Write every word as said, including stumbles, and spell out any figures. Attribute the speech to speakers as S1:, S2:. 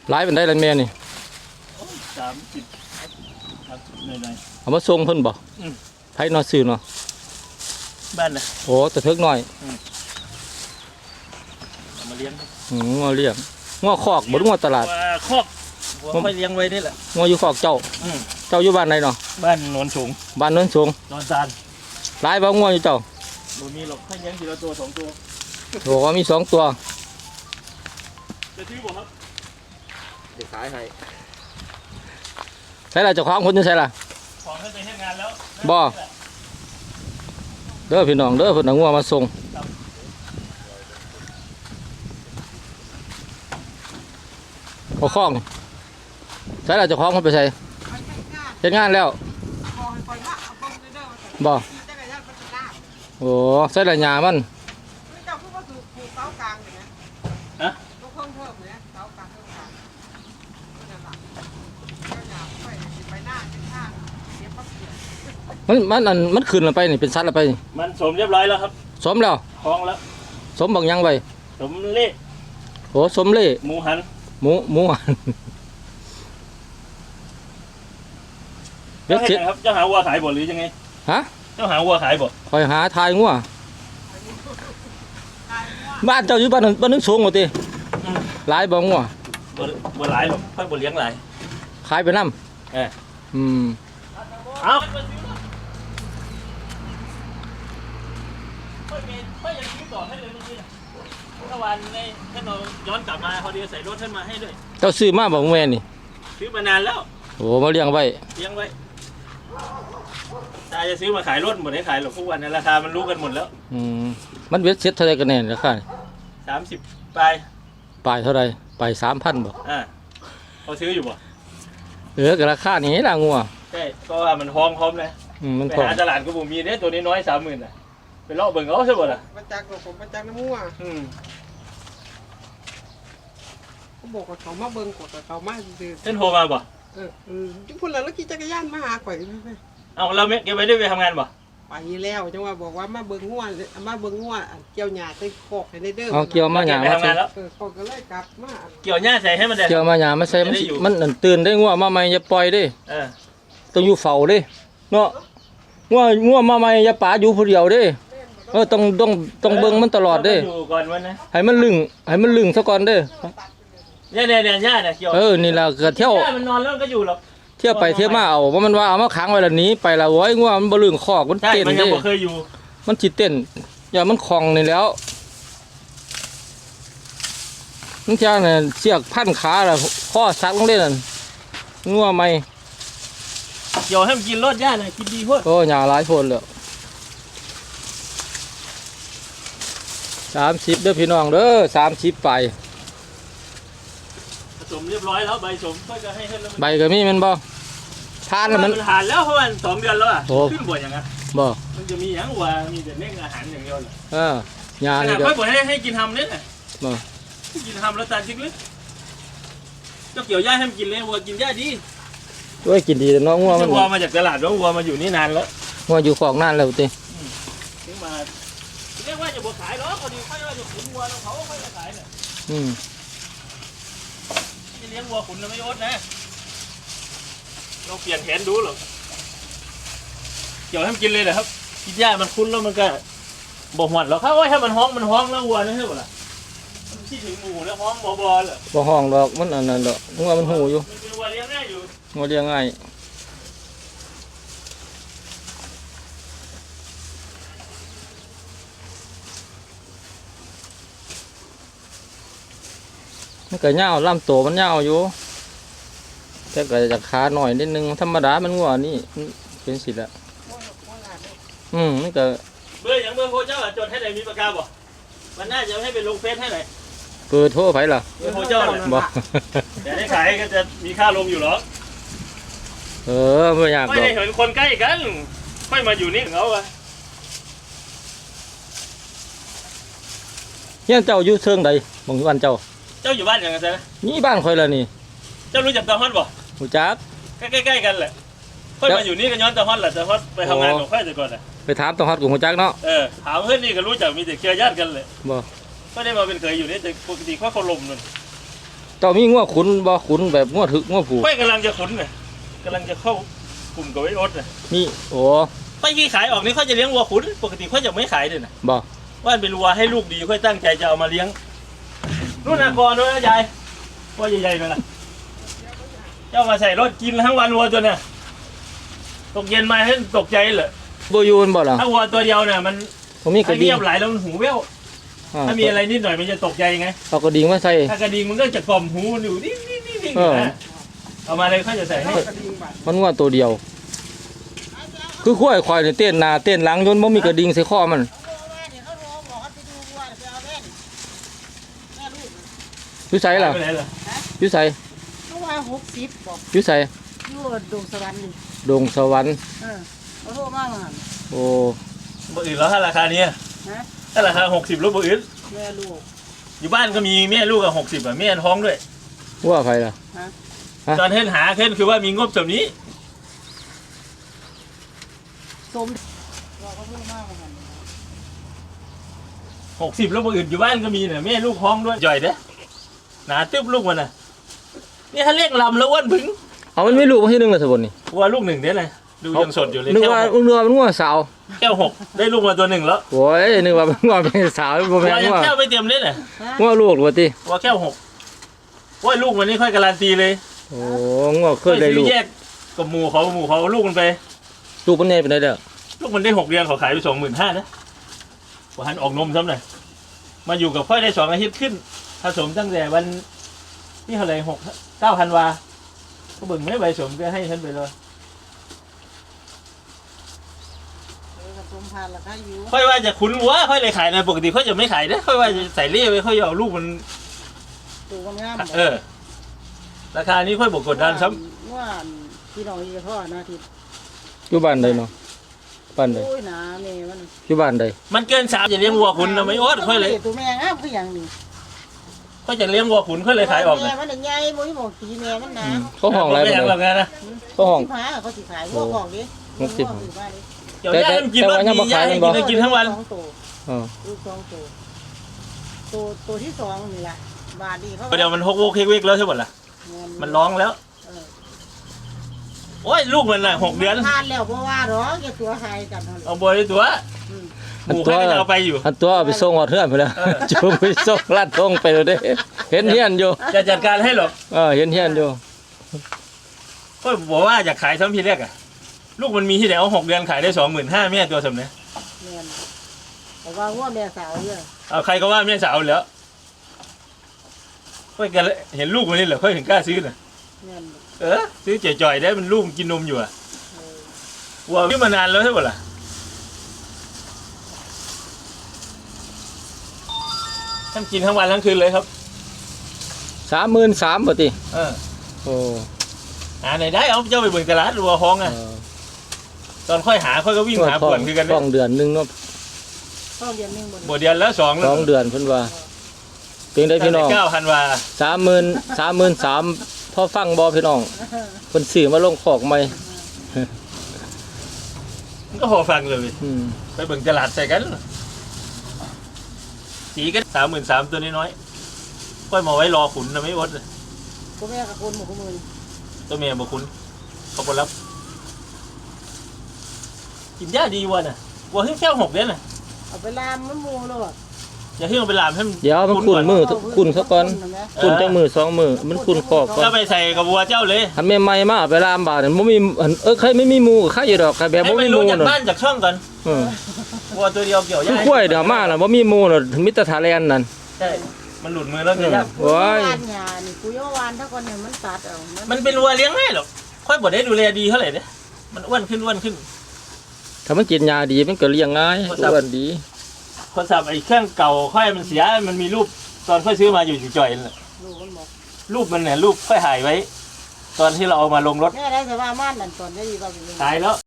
S1: หลายเป็นได้แล้วแม่นี่
S2: สามสิบหน่อย
S1: ๆเอามาส่งเพิ่นบ่ไผนอซื้อเนาะ
S2: บ้านนะ
S1: โอ้แต่เทิกน้อย
S2: เอามาเลี้ยง
S1: อืมงัวเลี้ยงงัวคอกบ่งัวตลาด
S2: คอกผมไปเลี้ยงไว้นี่แหละ
S1: งัวอยู่คอกเจ้าเจ้าอยู่บ้านไหนเนาะ
S2: บ้านโนนสูง
S1: บ้านโนนสูง
S2: นอนซาน
S1: หลายบ่งัวอยู่เจ้า
S2: บ่มีหรอกให้เลี้ยงทีละตัวสองตัว
S1: โอ้มีสองตัว
S2: จะซื้อบ่ครับจะขายให้
S1: ใช่ล่ะเจ้าของคนอยู่ใช่ล่ะ
S2: ของให้ไปให้งานแล้ว
S1: บ่เด้อพี่น้องเด้อเพิ่นเอางัวมาส่งเอาของใช่ล่ะเจ้าของเพิ่นไปใส่เฮ็ดงานแล้วบ่โอ้ใส่ละหญ้ามัน
S2: ฮะ
S1: มันมันอันมันขึ้นแล้วไปนี่เป็นสัตว์แล้วไปนี่
S2: มันสมเรียบร้อยแล้วครับ
S1: สมแล้ว
S2: คล้องแล้ว
S1: สมบักยังไว้
S2: สมเล่
S1: โอ้สมเล่
S2: หมูหัน
S1: หมูหมูหัน
S2: เจ้าเห็นครับเจ้าหาวัวขายบ่หรือยังไง
S1: ฮะ
S2: เจ้าหาวัวขายบ่
S1: คอยหาทายงัวบ้านเจ้าอยู่บ้านนึงบ้านนึงสูงกว่าติหลายบ่งัว
S2: บ่บ่หลายหรอกค่อยบ่เลี้ยงหลาย
S1: ขายไปนำ
S2: เออ
S1: อืม
S2: เอาค่อยมีค่อยยังซื้อต่อให้เลยเมื่อกี้นะเมื่อวานในท่านเราย้อนกลับมาพอดีใส่รถท่านมาให้ด้วย
S1: เจ้าซื้อมาบ่แม่นี่
S2: ซื้อมานานแล้ว
S1: โอ้มาเลี้ยงไว้
S2: เลี้ยงไว้ตาจะซื้อมาขายรถหมดให้ขายหรอกทุกวันในราคามันรู้กันหมดแล้ว
S1: อืมมันเวทเซ็ตเท่าไรกันแน่ราคา
S2: สามสิบปลาย
S1: ปลายเท่าไรปลายสามพันบ่
S2: อ่าเขาซื้ออยู่บ่
S1: เออกับราคานี้ล่ะงัว
S2: ใช่ก็ว่ามันห้องพร้อมเลย
S1: มัน
S2: ไปหาตลาดก็บ่มีเนี่ยตัวนี้น้อยสามหมื่นอ่ะไปเลาะเบิ่งเอาใช่บ่ล่ะ
S3: มาจากผมมาจากน้ำมัว
S2: อืม
S3: เขาบอกว่าเขามาเบิ่งกดแต่เขามาซื้อ
S2: เส้นโทรมาบ่
S3: เออเออจุ๊บพุ่นแล้วแล้วขี่จักรยานมาหาข่อยไป
S2: เอาเราเก็บไว้ได้ไปทำงานบ่
S3: ไปแล้วจังว่าบอกว่ามาเบิ่งงัวมาเบิ่งงัวเกี่ยวหญ้าใส่คอกให้ได้เด้อ
S1: เอาเกี่ยวมาหญ้า
S2: มาใส่
S3: เออเขาก็เลยกลับมา
S2: เกี่ยวหญ้าใส่ให้มันได้
S1: เกี่ยวมาหญ้ามาใส่มันมันตื่นได้งัวมาใหม่อย่าปล่อยดิ
S2: เออ
S1: ต้องอยู่เฝ้าดิเนาะงัวงัวมาใหม่อย่าป๋าอยู่ผู้เดียวดิเออต้องต้องต้องเบิ่งมันตลอดดิ
S2: อยู่ก่อนวันนะ
S1: ให้มันลึงให้มันลึงซะก่อนเด้
S2: เนี่ยเนี่ยเนี่ยหญ้าเนี่ยเกี่ยว
S1: เออนี่ล่ะก็เที่ยว
S2: มันนอนแล้วก็อยู่หรอก
S1: เที่ยวไปเที่ยวมาเอาว่ามันว่าเอามาขังไว้แล้วนี้ไปแล้วโว้ยงัวมันบ่ลึงคอกมันเต้นดิมันยัง
S2: บ่เคยอยู่
S1: มันสิเต้นอย่ามันคลองนี่แล้วมันจะเนี่ยเสียกพันขาแล้วข้อซักลงได้นั่นงัวใหม่
S2: เกี่ยวให้มันกินรสหญ้าหน่อยกินดีพุ่น
S1: โอ้หญ้าหลายพ่นแล้วสามสิบเด้อพี่น้องเด้อสามสิบไป
S2: ผสมเรียบร้อยแล้วใบสมก็จะให้ให้
S1: ใบก็มีมันบ่ทานแล้วมัน
S2: ทานแล้วเพราะมันสองเดือนแล้วอ่ะขึ้นบ่อยอย่างเงี้ย
S1: บ่
S2: มันจะมีอย่างว่ามีแต่เล่งอาหารอย่างเดียวเลย
S1: เออหญ้า
S2: นี่ก็ค่อยบ่ให้ให้กินทำเนี่ย
S1: บ่
S2: กินทำแล้วตาชิกเลยเจ้าเกี่ยวหญ้าให้มันกินเลยวัวกินหญ้าดี
S1: ด้วยกินดีแต่น้องงัวมัน
S2: วัวมาจากตลาดแล้ววัวมาอยู่นี่นานแล้ว
S1: งัวอยู่ของนานแล้วติ
S2: ถึงมาเรียกว่าจะบ่ขายหรอกพอดีค่อยว่าจะขุนวัวแล้วเขาค่อยจะขายเนี่ย
S1: อืม
S2: เลี้ยงวัวขุนไม่อดนะเราเปลี่ยนแผนดูหรอเกี่ยวให้มันกินเลยเหรอครับกินหญ้ามันคุ้นแล้วมันก็บ่หวั่นหรอกครับว่าถ้ามันห้องมันห้องแล้ววัวนี่ใช่ป่ะล่ะมันคิดถึงหมูแล้วห้องบ่บ่เลย
S1: บ่ห้องดอกมันอันนั้นดอกงัวมันหูอยู่
S2: มันเป็นวัวเลี้ยงง่ายอยู่
S1: งัวเลี้ยงง่ายมันก็เน่าลำโตมันเน่าอยู่แต่ก็จะขาหน่อยนิดนึงธรรมดามันงัวนี่เป็นสิละอืมมันก็
S2: เบอร์อย่างเบอร์โทรเจ้าจดให้ไหนมีปากกาบ่มันน่าจะให้เป็นลงเฟซให้ไหน
S1: เบอร์โทรไปล่ะ
S2: เบอร์โทรเจ้าเลย
S1: บ่
S2: แต่ได้ขายก็จะมีค่าลงอยู่หรอ
S1: เออไม่อยาก
S2: ไม่ได้เห็นคนใกล้กันค่อยมาอยู่นี่เขาอะ
S1: ยังเจ้าอยู่เชิงใดบางวันเจ้า
S2: เจ้าอยู่บ้านอย่างไร
S1: นี่บ้านคอยละนี่
S2: เจ้ารู้จักตาฮอดบ่
S1: รู้จัก
S2: ใกล้ๆกันแหละค่อยมาอยู่นี่ก็ย้อนตาฮอดแหละตาฮอดไปทำงานของค่อยแต่ก่อนอ่ะ
S1: ไปถามตาฮอดกับรู้จักเนาะ
S2: เออถามเพื่อนนี่ก็รู้จักมีแต่เครือญาติกันเลย
S1: บ่
S2: ก็ได้มาเป็นเคยอยู่นี่แต่ปกติค่อยเขาลมนั่น
S1: ตจ้ามีงัวขุนบ่ขุนแบบงัวถึกงัวผู
S2: ค่อยกำลังจะขุนน่ะกำลังจะเข้ากลุ่มกับไอ้อดน่ะ
S1: นี่โอ้
S2: ค่อยขี้ขายออกนี่ค่อยจะเลี้ยงวัวขุนปกติค่อยจะไม่ขายเลยนะ
S1: บ่
S2: ว่าเป็นวัวให้ลูกดีค่อยตั้งใจจะเอามาเลี้ยงนู่นนะก่อนด้วยนะยายวัวใหญ่ๆเลยนะเจ้ามาใส่รถกินทั้งวันวัวตัวเนี่ยตกเย็นมาให้ตกใจเลย
S1: บ่อยู่มันบ่ล่ะ
S2: ถ้าวัวตัวเดียวเนี่ยมัน
S1: ผมมีก
S2: ถ้า
S1: ระดิ่
S2: เงี
S1: ง
S2: ยบไหลแล้วมันหูแว่ว
S1: อ่า
S2: ถ้ามีอะไรนิดหน่อยมันจะตกใจไง
S1: เอากระดิ่งมาใส่
S2: ถ้ากระดิ่งมันก็จะกล่อมหูมันอยู่นิ่งๆๆๆ
S1: เออ
S2: นะเอามาเลยค่อยจะใส่ให้
S3: กระดิ่งบาด
S1: มันงัวตัวเดียว คือข้อยควายนี่เต้นหน้าเต้นหลังจนบ่มีกระดิ่งใส่คอมันอยู่ไสล่ะ
S2: ไปไหนล่ะ
S1: อยู่ไส
S4: เขาว่าหกสิบบอก
S1: อยู่ไส
S4: อยู่ดงสวรรค์นี่
S1: ดงสวรรค์
S4: เออเขาโทรมาว่าหั่น
S1: โอ้
S2: บ่อื่นแล้วถ้าราคานี้
S4: นะ
S2: ถ้าราคาหกสิบลบบ่อื่น
S4: แม่ลูก
S2: อยู่บ้านก็มีแม่ลูกกับหกสิบอ่ะแม่ท้องด้วย
S1: ว่าไผล่ะ ฮะ
S2: ตอนเห็นหาเห็นคือว่ามีงบแบบนี้
S4: สมว่าเขาโทรมาว่าหั่น
S2: หกสิบแล้วบ่อื่นอยู่บ้านก็มีเนี่ยแม่ลูกท้องด้วยจ่อยเด้อหนาตึ๊บลูกมันน่ะนี่ถ้าเรียกลำแล้วอ้วนผึง
S1: เอามันไม่รู้ว่าที่หนึงล่ะสบนนี่
S2: ว่าลูกหนึ่งเด้อเลยดูยังสดอยู่เลย
S1: นึก
S2: แก้ว
S1: ว่า
S2: หก
S1: นึกว่ามันงัวสาว
S2: แก้วหกได้ลูกมาตัวหนึ่งแล้ว
S1: โอ้ยนึกว่ามันงัวเป็นสาวบ่แม่
S2: ว่าน ยัง
S1: งัว
S2: แก้วไม่เต็มเลยน่ะ
S1: งัวลูกว่าติ
S2: ว่าแก้วหกว่าลูกมันนี่ค่อยการันตีเลย
S1: โอ้งัวเคยได้ลูก
S2: แยกกับหมูเขาหมูเขาเอาลูกมันไป
S1: ลูกมันใหญ่ปานใดเด้อ
S2: ลูกมันได้หกเดือนเขาขายไปสองหมื่นห้านะว่าหันออกนมซ้ำหน่อยมาอยู่กับค่อยได้สองอาทิตย์ขึ้นผสมตั้งแต่วันนี่เท่าไหร่หกเก้าพันวาก็เบิ่งไม่ใบสมก็ให้ฉันไปเลย
S4: เออผสมพันธุ์ราคาอยู่
S2: ค่อยว่าจะคุ้นวัวค่อยเลยขายนะปกติค่อยจะไม่ขายนะค่อยว่าจะใส่เล่ไว้ค่อยเอาลูกมัน
S4: ตัวงามๆ
S2: เออราคานี้ค่อยบอกกดดันซ้
S4: ว่าพี่น้องอีกพ่อนะที่
S1: อยู่บ้านใดเนาะบ้านใด
S4: โอ้ยหนาแม่มัน
S1: อยู่บ้านใด
S2: ำมันเกินสามจะเลี้ยงวัวขุนนะไม่อดค่อยเลย
S4: ตัวแม่งามคือหยังนี่
S2: ค่อยจะเลี้ยงวัวขุนค่อยเลยขายออก
S4: แม่
S2: นะ
S4: มันได้ใหญ่บ่มีบอกตีแม่มันหนา
S1: เขาห้องอะไร
S2: ไม่
S1: บ่
S2: ยังหรอก
S1: ได้
S2: นะ
S1: เขาห้อง
S4: สิบห้าเขาสิขายพวกของดิ
S1: หกสิบ
S4: พวซื้อมาดิ
S2: เดี๋ยวย่ามันกินรถดีย่าให้กินให้กินทั้งวัน
S4: สองตัว
S1: อ๋อ
S4: ลูกสองตัวตัวตัวที่สองนี่แหละบาทดีเขา
S2: เดี๋ยวมันฮกโวกเฮกเวกแล้วใช่ไหมล่ะมันร้องแล้ว
S4: เออ
S2: โอ้ยลูกมันน่ะหกเดือน
S4: ทานแล้วเพราะว่าหรอกแกตัวหายกันเท่านั้น
S2: เอาบอยตัว
S4: อืม
S2: หมูค่อยจะเอาไปอยู่
S1: อันตัวเอาไปส่งฮอดเฮือนไปแล้ว
S2: เออ
S1: จูงไปส่งลาดทงไปแล้วเด้เห็นเฮียนอยู่
S2: จะจัดการให้หรอก
S1: เออเห็นเฮียนอยู่
S2: ก็บอกว่าอยากขายซ้ำทีแรกอะลูกมันมีที่ไหนเอาหกเดือนขายได้สองหมื่นห้าแม่ตัวสมเนี่ย
S4: แม่นแต่ว่าว่าแม่สาวเนี่ย
S2: เอาใครก็ว่าแม่สาวแล้วค่อยกันเห็นลูกมันนี่เหรอค่อยถึงกล้าซื้อน่ะ
S4: แม่น
S2: เออซื้อจ่อยๆได้มันลูกมันกินนมอยู่อะ
S4: เออ
S2: วัววิ่งมานานแล้วใช่ไหมล่ะท่านกินทั้งวันทั้งคืนเลยครับ
S1: สามหมื่นสามบ่ติ
S2: เออ
S1: โอ้
S2: หาไหนได้เอาเจ้าไปเบิ่งตลาดวัวห้องอะ
S1: เออ
S2: ตอนค่อยหาค่อยก็วิ่งหา
S1: ท้
S2: ป
S1: อ
S2: ว
S1: ง
S2: ดคือกัน
S1: ท้
S2: เนี่
S1: อย งเดือนหนึงเนาะ
S4: ต้องเรียนหนึ่งบน
S2: บวเดือนแล้วสองแล้
S1: ส
S2: ว
S1: องเดือนเพิ่นว่าเพียงได้พี่น้อง
S2: เก้าพันวา
S1: สามหมื่นสามหมื่นสามพอฟังบ่พี่น้องเพิ่นซื้อมาลงคอกใหม่
S2: มันก็พอฟังเลย
S1: อืม
S2: ไปเบิ่งตลาดใส่กันสีกันสามหมื่นสามตัวน้อยๆค่อยมาไว้รอขุนนะไม่อดเลย
S4: ก็แม่กับคนหมู่คนมือ
S2: ตัวเมียบอกขุนเขาบอรับกินยาดีวัวน่ะวัวเพิ่งแค่หกเดือนน่ะ
S4: เอาไปลามมันมูแล้วอ่ะ
S2: อย่าเพิ่งเอาไปลามให้มัน
S1: เดี๋ยวมันคุ้นมือคุ้นซะก่อน
S4: เห็นไหม
S1: คุ้นจังมือสองมือมันคุ้นคอกก่อน
S2: ก็ไปใส่กับวัวเจ้าเลย
S1: อันใหม่ๆมาเอาไปลามบาดนั่นบ่มีอันเออใครไม่มีหมู่ใครอยู่ดอกใครแบบ
S2: ให้
S1: บ่
S2: มั
S1: มี
S2: น
S1: ห
S2: รู้
S1: มู่
S2: จาก
S1: น่ะ
S2: บ้านจากช่องก่อน
S1: เออ
S2: วัวตัวเดียวเกี่ยว
S1: คื
S2: ยา
S1: อข้อยเดี๋ยวมาน่ะบ่มีหมู่น่ะมิตรทาแลนนั่น
S2: ใช่มันหลุดมือแล้วจะยาก
S1: โอ้ย
S4: วานหยานี่คุยว่าวานถ้าคนเนี่ยมันตัดเอามั
S2: มันเป็นวัวเลี้ยงง่ายหรอกค่อยบ่ได้ดูแลดีเท่าไหร่เนี่ยมันอ้วนขึ้นอ้วนขึ้น
S1: ถ้ามันกินยาดีมันก็เลี้ยงง่าย
S2: โทรศัพท์
S1: อ้วนดี
S2: คนสับไอ้เครื่องเก่าค่อยมันเสียมันมีรูปตอนค่อยซื้อมาอยู่จ่อยๆนั่นแหละ
S4: ลูกมันบอก
S2: รูปมันเนี่ยรูปค่อยหายไว้ ตอนที่เราเอามาลงรถ
S4: แม่ได้แต่ว่าม่านนั่นตอนได้ดีกว่าเป็น
S2: ตายแล้ว